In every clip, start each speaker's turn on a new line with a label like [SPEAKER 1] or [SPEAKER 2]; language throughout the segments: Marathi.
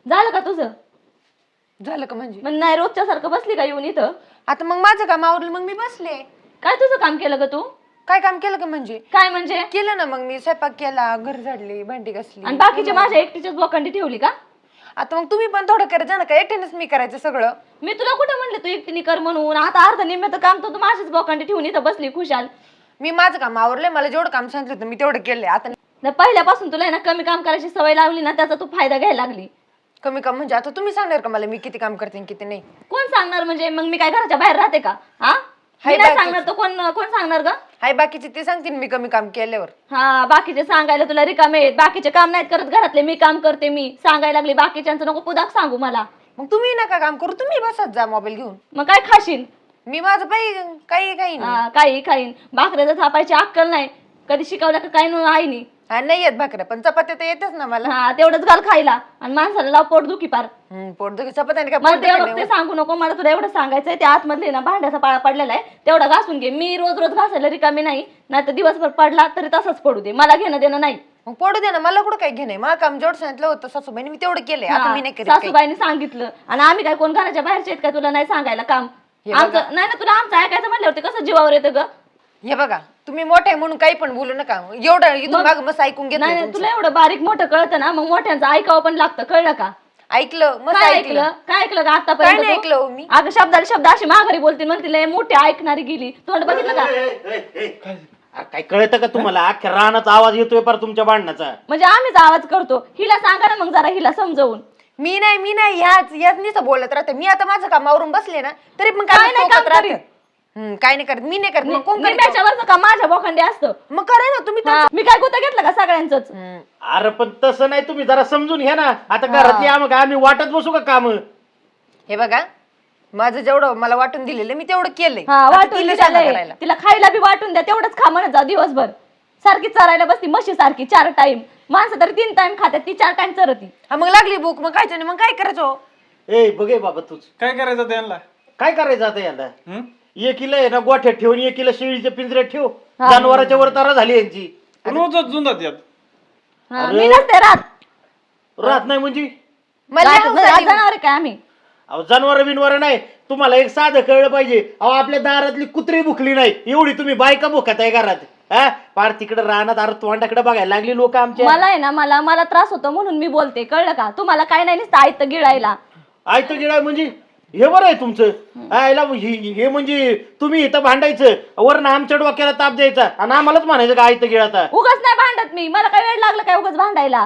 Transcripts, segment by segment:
[SPEAKER 1] झालं का तुझं?
[SPEAKER 2] झालं का म्हणजे?
[SPEAKER 1] मग नाही रोजच्या सारखं बसली का येऊन इथं?
[SPEAKER 2] आता मग माझं काम आवरलं मग मी बसले.
[SPEAKER 1] काय तुझं काम केलं ग तू?
[SPEAKER 2] काय काम केलं का म्हणजे?
[SPEAKER 1] काय म्हणजे?
[SPEAKER 2] केलं ना, मग मी स्वयंपाक केला, घर झाडली, भांडी घासली.
[SPEAKER 1] आणि बाकीचे माझ्या एकटीच्याच बोकांडी ठेवली का?
[SPEAKER 2] आता मग तुम्ही पण थोडं करायचं ना, का एकटीनेच मी करायचं सगळं?
[SPEAKER 1] मी तुला कुठं म्हणले तू एकटीने कर म्हणून? आता अर्ध निम्म्याचं काम तर तू माझ्याच बोकांडी ठेवून इथं बसली खुशाल.
[SPEAKER 2] मी माझं काम आवरलंय, मला जेवढं काम सांगितलं होतं मी तेवढं केलंय. आता
[SPEAKER 1] पहिल्यापासून तुला ना कमी काम करायची सवय लावली ना, त्याचा तू फायदा घ्यायला लागली.
[SPEAKER 2] कमी काम म्हणजे आता तुम्ही सांगणार का मला मी किती काम करते आणि किती नाही?
[SPEAKER 1] कोण सांगणार म्हणजे? मग मी काय घराच्या बाहेर राहते का? हा मी नाही सांगणार तर कोण कोण सांगणार ग?
[SPEAKER 2] हाय बाकीचे ते सांगतील मी कमी काम केल्यावर.
[SPEAKER 1] हा बाकीचे सांगायला तुला रिकामे आहेत, बाकीचे काम नाहीत करत घरातले, मी काम करते. मी सांगायला लागली बाकीच्यांचं नको पुदाक सांगू मला.
[SPEAKER 2] मग तुम्ही नका काम करू, तुम्ही बसत जा मोबाईल घेऊन.
[SPEAKER 1] मग काय खाशील?
[SPEAKER 2] मी माझं काही काही काही नाही.
[SPEAKER 1] काही खाईन. भाकऱ्याचं थापायची अक्कल नाही, कधी शिकवलं का काय आईनी?
[SPEAKER 2] हा नाही येत भाकऱ्या, पण चपात्या तर येतच ना मला.
[SPEAKER 1] हा तेवढंच घाल खायला आणि माणसाला लाव पोट दुखी पार.
[SPEAKER 2] पोटदुखी चपात्या काय
[SPEAKER 1] मला
[SPEAKER 2] पोटदुखी
[SPEAKER 1] तेवढं ते सांगू नको. मला तुला एवढं सांगायचंय, त्या आतमधले ना भांड्याचा पाळा पडलेला आहे तेवढा घासून घे. मी रोज रोज घासायला रिकामी नाही, नाहीतर दिवसभर पडला तरी तसंच पडू दे, मला घेणं देणं नाही.
[SPEAKER 2] मग पडू दे ना, मला कुठं काही घेणे. मला काम जेवढं सांगितलं होतं सासूबाईने मी तेवढं केलंय. आता मी नाही करत काही.
[SPEAKER 1] सासूबाईंनी सांगितलं आणि आम्ही काय कोण घराच्या बाहेरचे आहेत का तुला नाही सांगायला काम? आमचं नाही ना, तुला आमचं ऐकायचं म्हणल्यावरती कसं जीवावर येतं ग?
[SPEAKER 2] हे बघा, तुम्ही मोठे म्हणून काही पण बोलू नका. एवढं इथून माग मस्त ऐकून घेतलं.
[SPEAKER 1] नाही तुला एवढं बारीक मोठं कळतं ना, मग मोठ्यांचं ऐकावं पण लागतं, कळलं का?
[SPEAKER 2] ऐकलं मस्त
[SPEAKER 1] काय
[SPEAKER 2] ऐकलं.
[SPEAKER 1] ऐकलं? काय ऐकलं का
[SPEAKER 2] काय नाही
[SPEAKER 1] आतापर्यंत?
[SPEAKER 2] ऐकलं हो मी.
[SPEAKER 1] अगं शब्दाला शब्द अशी माघारी बोलते, म्हणते लय मोठी ऐकणारी गेली. तोंड बघितलं का?
[SPEAKER 3] काय कळतं का तुम्हाला? अख्ख्या रानाचा आवाज येतोय पर तुमच्या भांडणाचा.
[SPEAKER 1] म्हणजे आम्हीच आवाज करतो. हिला सांगा ना मग जरा, हिला समजवून.
[SPEAKER 2] मी नाही ह्याच नुसतं बोलत राहते. मी आता माझं काम आवरून बसले ना, तरी पण
[SPEAKER 1] काय नाही काम
[SPEAKER 2] राहते. काय नाही करत, मी नाही करत. मग कोण करत?
[SPEAKER 1] निम्याच्यावरचं काम माझ्या बोखंडी असतं.
[SPEAKER 2] मग करा ना तुम्ही.
[SPEAKER 1] मी काय गुत्ता घेतलं का सगळ्यांचंच?
[SPEAKER 3] अरे पण तसं नाही, तुम्ही जरा समजून घ्या ना. आता घरातली आम्ही वाटत बसू का काम?
[SPEAKER 2] हे बघा, माझं जेवढं मला वाटून दिलेलं मी तेवढं केलंय.
[SPEAKER 1] वाटून
[SPEAKER 2] तिला सांगा
[SPEAKER 1] दिलंय.
[SPEAKER 2] करायला.
[SPEAKER 1] तिला खायला बी वाटून द्या, तेवढंच खा म्हणत जा दिवसभर. सारखी चरायला बसती म्हशी सारखी 4 टाइम. माणसं तरी 3 टाइम खात्यात, ती 4 टाइम चरती.
[SPEAKER 2] हा मग लागली भूक, मग खायचं नाही, मग काय करायचं?
[SPEAKER 3] ए बघे बाबा, तूच
[SPEAKER 4] काय करायचं त्यांना?
[SPEAKER 3] काय करायचं आता याला? एकीला आहे ना गोठ्यात ठेवून, एकीला शेळीच्या पिंजऱ्यात ठेव. जनावराच्या वर तारा झाली यांची.
[SPEAKER 4] रोजच जुंदात यात.
[SPEAKER 1] मी नसते
[SPEAKER 3] राहत नाही म्हणजे
[SPEAKER 1] जनावर काय आम्ही?
[SPEAKER 3] अहो जनावर बिनवर नाही. तुम्हाला एक साधं कळलं पाहिजे. अहो आपल्या दारातली कुत्री भुकली नाही एवढी तुम्ही बायका भुकत आहे घरात. हा पार तिकडे राहणार, अरे तोंडाकडे बघायला लागली लोक आमच्या.
[SPEAKER 1] मला आहे ना, मला त्रास होतो म्हणून मी बोलते, कळलं का? तुम्हाला काय नाही नुसतं आयत गिळायला.
[SPEAKER 3] आयत गिळाय म्हणजे हे बरं आहे तुमचं. आयला हे म्हणजे तुम्ही इथं भांडायचं, वरनं आमच्या डोक्याला ताप द्यायचा आणि आम्हालाच म्हणायचं का आयत गिळाता.
[SPEAKER 1] उगाच नाही भांडत मी, मला काय वेळ लागला काय उगाच भांडायला?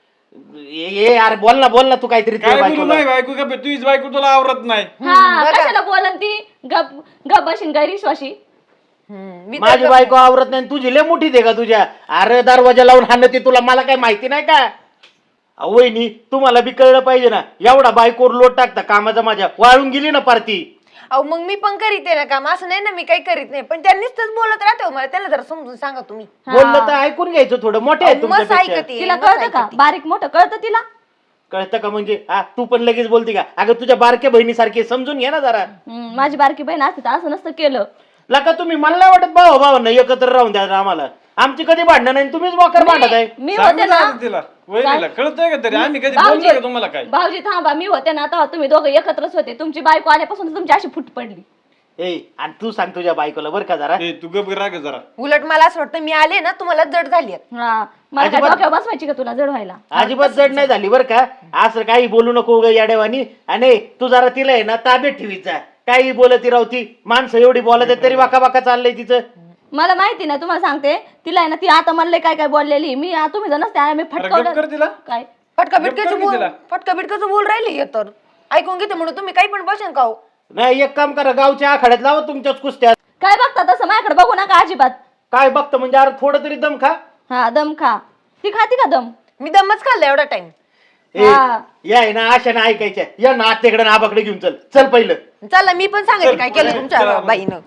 [SPEAKER 3] अरे बोल ना तू काहीतरी.
[SPEAKER 4] काय बोलू नाही बायको का? तुझीच बायको तुला आवरत नाही.
[SPEAKER 1] कशाला बोलन ती? गप बशीन गैरविश्वासी.
[SPEAKER 3] माझी बायको आवरत नाही, तुझी लय मोठी दे का तुझ्या? अरे दरवाजा लावून हाणं ते तुला, मला काय माहिती नाही का? वहिनी तुम्हाला बी कळलं पाहिजे ना, एवढा बायकोवर लोट टाकता कामाचा, माझ्या वाळून गेली ना पारती.
[SPEAKER 2] अहो मग मी पण करीत आहे ना काम, असं नाही ना मी काही करीत नाही, पण त्यांनीच बोलत राहते. मला त्याला जरा समजून सांगा तुम्ही.
[SPEAKER 3] बोललं तर ऐकून घ्यायचं थोडं. मोठे आहे
[SPEAKER 2] मस्त
[SPEAKER 3] तुमच्यापेक्षा.
[SPEAKER 2] ऐकते.
[SPEAKER 1] तिला कळतं का? बारीक मोठं कळतं तिला?
[SPEAKER 3] कळतं का म्हणजे? हा तू पण लगेच बोलते का? अगं तुझ्या बारक्या बहिणीसारखी समजून घ्या ना जरा.
[SPEAKER 1] माझी बारकी बहीण असते तर असं नसतं केलं.
[SPEAKER 3] लका तुम्ही मला नाही वाटत भावांना एकत्र राहून द्या आम्हाला. आमची कधी भांडणं नाही, तुम्हीच वाकर भांडत आहे.
[SPEAKER 1] मी होते ना
[SPEAKER 4] तिला वहिनीला कळतंय का तरी? आम्ही कधी बोललोय का तुम्हाला काय?
[SPEAKER 1] भाऊजी थांबा, मी होते ना तेव्हा तुम्ही दोघं एकत्रच होते. तुमची बायको आल्यापासून तुमची अशी फुट पडली.
[SPEAKER 3] ए आणि तू सांग तुझ्या बायकोला बरं का जरा.
[SPEAKER 4] ए तू गप राग जरा.
[SPEAKER 2] उलट मला असं वाटतं मी आले ना तुम्हाला जड झाली आहे.
[SPEAKER 1] मला काय डोक्यावर बसवायची का तुला जड व्हायला?
[SPEAKER 3] अजिबात जड नाही झाली बरं का. असं काही बोलू नको ग याडेवानी. आणि तू जरा तिला आहे ना ताब्यात ठेवीचा. काही बोलती राहती माणसं एवढी बोलत आहेत तरी वाका वाका चाललंय तिचं.
[SPEAKER 1] मला माहिती नाही, तुम्हाला सांगते तिला आहे ना, ती आता म्हणले काय काय बोललेली. मी तुम्ही जर नसते मी फटकवलं
[SPEAKER 4] तिला
[SPEAKER 1] काय.
[SPEAKER 2] फटका बिटकाचं बोल राहिली तर ऐकून घेते म्हणून तुम्ही काही पण बसेन का हो?
[SPEAKER 3] नाही एक काम करा, गावच्या आखाड्यात लावा तुमच्याच कुस्त्या.
[SPEAKER 1] काय बघता तसं माझ्याकडे बघू नका अजिबात.
[SPEAKER 3] काय बघतं म्हणजे? अरे थोडं तरी दम खा.
[SPEAKER 1] दम खा. ती खाती का दम?
[SPEAKER 2] मी दमच खाल्ला एवढा टाइम.
[SPEAKER 3] या आहे ना अशा ना ऐकायच्या. या ना आत्याकडे ना आबाकडे घेऊन चल पहिलं.
[SPEAKER 2] चला मी पण सांगते काय केलं तुमच्या बाईनं.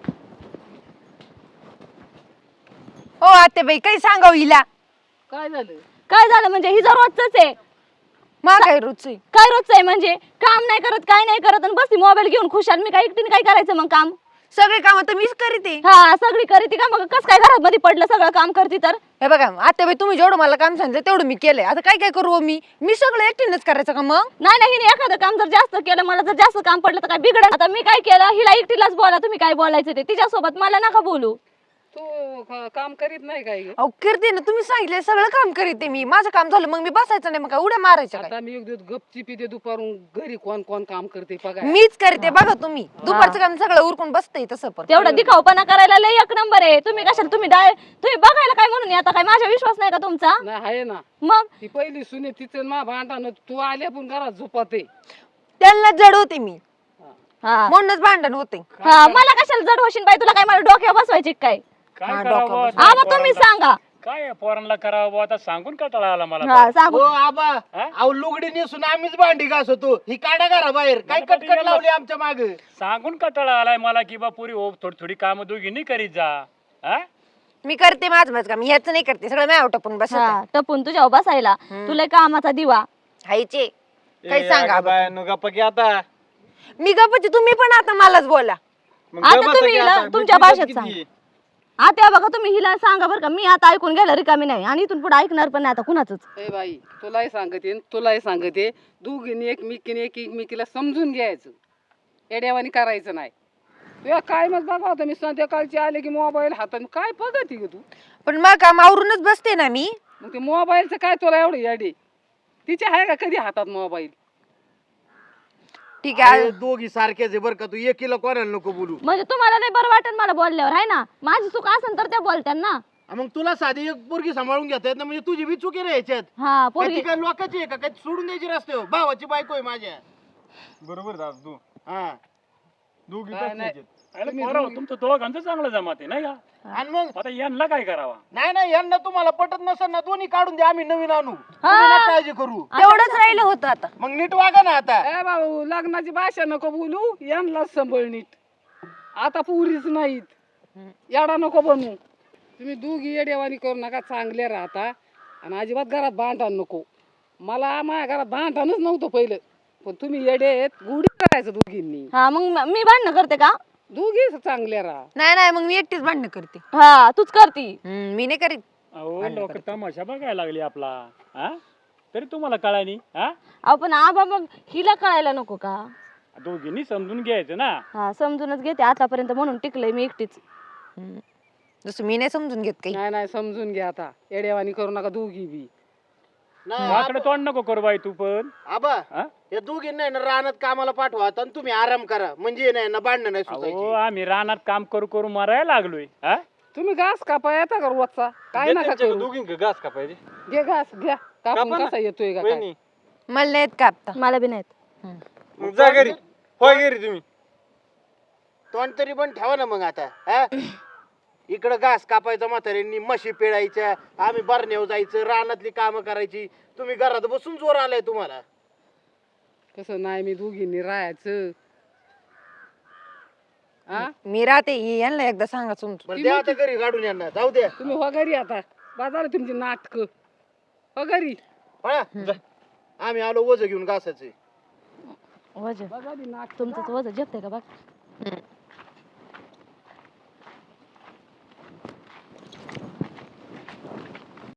[SPEAKER 2] हो आत्याबाई काही सांगाव हिला.
[SPEAKER 1] काय झालं म्हणजे? हिचा रोजच आहे.
[SPEAKER 2] मा काय रोजचं
[SPEAKER 1] काय रोजच आहे म्हणजे? काम नाही करत, काय नाही करत आणि बसती मोबाईल घेऊन खुशाल. मी काय एकटीने काय करायचं मग काम?
[SPEAKER 2] सगळे काम तर मीच करीते.
[SPEAKER 1] हा सगळी करीती का मग कस काय घरात मध्ये पडलं सगळं काम करती तर
[SPEAKER 2] हे बघा आता बाई तुम्ही जेवढं मला काम सांगितलं तेवढं मी केलंय. आता काय काय करू हो मी सगळं एकटीनंच करायचं का मग?
[SPEAKER 1] नाही नाही हिने एखादं काम जर जास्त केलं मला जर जास्त काम पडलं तर काय बिघडलं. आता मी काय केलं हिला एकटीलाच बोला तुम्ही काय बोलायचं ते तिच्यासोबत मला नका बोलू.
[SPEAKER 5] तू काम करीत नाही काय ग?
[SPEAKER 2] अहो करते ना, तुम्ही सांगितलं सगळं काम करीते मी. माझं काम झालं मग मी बसायचं नाही, मग काय उड्या मारायच्या काय?
[SPEAKER 5] आता मी एक दिवस गपचिपी ते दुपारून घरी कोण कोण काम करते बघा.
[SPEAKER 2] मीच करते बघा. तुम्ही दुपारचं काम सगळं उरकून बसते तसं पण.
[SPEAKER 1] तेवढं दिखावपणा करायला लय एक नंबर आहे. तुम्ही कशाला तुम्ही बघायला काय म्हणून आता काय माझा विश्वास नाही का तुमचा?
[SPEAKER 5] नाही आहे ना
[SPEAKER 1] मग
[SPEAKER 5] ती पहिली सुने तिचं मा भांडण तू आल्या पण घरात झोपते.
[SPEAKER 2] त्यांना जड होते मी
[SPEAKER 1] हा
[SPEAKER 2] म्हणूनच भांडण होते.
[SPEAKER 1] हा मला कशाला जड होशील बाई तुला काय मला डोक्यावर बसवायची काय?
[SPEAKER 6] काय
[SPEAKER 2] हा,
[SPEAKER 6] करावं
[SPEAKER 2] डोकं
[SPEAKER 6] आता
[SPEAKER 1] हा मग
[SPEAKER 6] या
[SPEAKER 1] तुम्ही
[SPEAKER 6] पोरांना?
[SPEAKER 1] सांगा.
[SPEAKER 6] काय या पोरांना करावं बुवा? आता सांगून कंटाळा आला मला
[SPEAKER 1] हा
[SPEAKER 6] तर.
[SPEAKER 1] सांगू
[SPEAKER 3] हो आबा अहो लुगडी नेसून आम्हीच भांडी घासतो ही काढा घरा बाहेर काय
[SPEAKER 6] मला
[SPEAKER 3] कटकट
[SPEAKER 6] कधी
[SPEAKER 3] लावली आमच्या माग.
[SPEAKER 6] सांगून कंटाळा आलाय मला की बा पुरी हो थोडी थोडी कामं दोघींनी करीत जा. हा?
[SPEAKER 2] मी करते माझं काम, ह्याच नाही करते. सगळं माझ्या टपून बसत
[SPEAKER 1] हा टपून तुझ्यावर बसायला तुला कामाचा दिवा.
[SPEAKER 2] हायचे काही सांगा
[SPEAKER 4] बाय गप्पा की आता
[SPEAKER 2] मी गप्पची. तुम्ही पण आता मलाच बोला.
[SPEAKER 4] मग
[SPEAKER 1] आता
[SPEAKER 4] गप्पा
[SPEAKER 1] तुम्ही
[SPEAKER 4] की
[SPEAKER 1] हिला
[SPEAKER 4] आता.
[SPEAKER 1] तुमच्या
[SPEAKER 4] बिलकुल
[SPEAKER 1] भाषेत
[SPEAKER 4] किती?
[SPEAKER 1] सांगा. आता बघा तुम्ही हिला सांगा बरं का मी आता ऐकून गेलं रिकामी नाही आणि इथून पुढे ऐकणार पण नाही आता कुणाच.
[SPEAKER 5] ए बाई तुलाही सांगते न तुलाही सांगते दोघींनी एकमेकीला समजून घ्यायचं. एड्यावानी करायचं नाही. तुला काय मग बघा होतं मी संध्याकाळची आले की मोबाईल हातात काय बघती ग तू?
[SPEAKER 2] पण मग काम आवरूनच बसते ना मी.
[SPEAKER 5] मग ते मोबाईलचं काय तुला एवढं येडे? तिच्या आहे का कधी हातात मोबाईल?
[SPEAKER 2] ठीक आहे.
[SPEAKER 3] अरे दोघी सारखेच आहे बरं का तू एकीला कोणाला नको बोलू.
[SPEAKER 1] म्हणजे तुम्हाला नाही बरं वाटेल मला बोलल्यावर आहे ना. माझी चूक असेल तर त्या बोलत्या ना.
[SPEAKER 3] मग तुला साधी एक पोरगी सांभाळून घेता येत ना म्हणजे तुझी बी चुकी रे याच्यात.
[SPEAKER 1] हा
[SPEAKER 3] काय
[SPEAKER 1] पोरगी
[SPEAKER 3] ती काय लोकांची आहे का काय सोडून द्यायची रस्त्यावर भावाची बायको आहे माझ्या.
[SPEAKER 4] बरोबर दादा तू
[SPEAKER 3] हा
[SPEAKER 4] दोघी
[SPEAKER 5] काय
[SPEAKER 4] तसलीच
[SPEAKER 5] नाही.
[SPEAKER 4] आहेत.
[SPEAKER 6] अरे पोरं, तुमचं दोघांचं चांगलं जमात आहे नाही का?
[SPEAKER 3] आणि मग
[SPEAKER 6] आता यांना काय करावा?
[SPEAKER 3] नाही यांना तुम्हाला पटत नसेल ना दोन्ही काढून द्या आम्ही नवीन आणू. तुम्ही नका काळजी करू.
[SPEAKER 2] तेवढंच राहिलं होतं आता.
[SPEAKER 3] मग नीट वागा ना आता.
[SPEAKER 5] ए बाबू लग्नाची भाषा नको बोलू यांनाच संभळ नीट. आता पुरीच नाहीत. येडा नको बनू. तुम्ही दोघी येडेवानी करू नका. चांगले राहता आणि अजिबात घरात भांडण नको. मला माझ्या घरात भांडणच नव्हतं पहिलं पण तुम्ही येडे आहेत. गुढी करायचं दोघींनी.
[SPEAKER 1] हा मग मी भांडणं करते का?
[SPEAKER 5] दोघी चांगले राहा.
[SPEAKER 2] नाही मग मी एकटीच भांडण करते.
[SPEAKER 1] हा तूच करती.
[SPEAKER 2] मी नाही करीत.
[SPEAKER 6] अहो लोक तमाशा बघायला लागली आपला. हा तरी तुम्हाला कळानी? हा
[SPEAKER 1] आपण आबा मग हिला कळायला नको का?
[SPEAKER 6] दोघींनी समजून घ्यायचं ना.
[SPEAKER 1] हा समजूनच घेते आतापर्यंत म्हणून टिकलंय मी एकटीच.
[SPEAKER 2] जसं मी नाही समजून घेत काही.
[SPEAKER 5] नाही समजून घ्या आता. येडेवानी करू नका दोघी बी.
[SPEAKER 3] नाही
[SPEAKER 6] वाकडे तोंड नको करू बाई तू पण.
[SPEAKER 3] आबा
[SPEAKER 6] हा?
[SPEAKER 3] या दोघींना ना रानात कामाला पाठवा आणि तुम्ही आराम करा म्हणजे नाही ना भांडणं नाही
[SPEAKER 6] अहो
[SPEAKER 3] सुचायची.
[SPEAKER 6] आम्ही रानात काम करू करू मरायला लागलोय. हा
[SPEAKER 5] तुम्ही घास कापा येता का रोजचा? काय
[SPEAKER 4] दे
[SPEAKER 5] नका
[SPEAKER 4] त्यांच्या
[SPEAKER 5] करू.
[SPEAKER 4] दोघींक घास का पाहिजे
[SPEAKER 5] घे घास घ्या कापून
[SPEAKER 4] कापा ना.
[SPEAKER 5] कसा येतोय का काय?
[SPEAKER 4] वहिनी,
[SPEAKER 2] मला नाही येत कापता.
[SPEAKER 1] मला बी नाहीत.
[SPEAKER 4] मग जा घरी होय घरी तुम्ही.
[SPEAKER 3] तोंड तरी पण ठेवा ना मग आता. हा? इकडं घास कापायचा म्हाताऱ्यांनी म्हशी पिळायच्या आम्ही बरण्यावर जायचं रानातली कामं करायची. तुम्ही घरात बसून जोर आलाय तुम्हाला.
[SPEAKER 5] कसं नाही मी दोघींनी राहायचं. हा
[SPEAKER 2] मी राहते यांना एकदा सांगा समजून.
[SPEAKER 3] बरं द्या आता घरी काढून यांना जाऊ द्या.
[SPEAKER 5] तुम्ही हो घरी आता. बाजार तुमची नाटक हो घरी.
[SPEAKER 3] पळा. आम्ही आलो वज घेऊन घासाचे.
[SPEAKER 1] वज
[SPEAKER 5] बघा ती नाटकं.
[SPEAKER 1] तुमचं वज जेवतंय का बघ.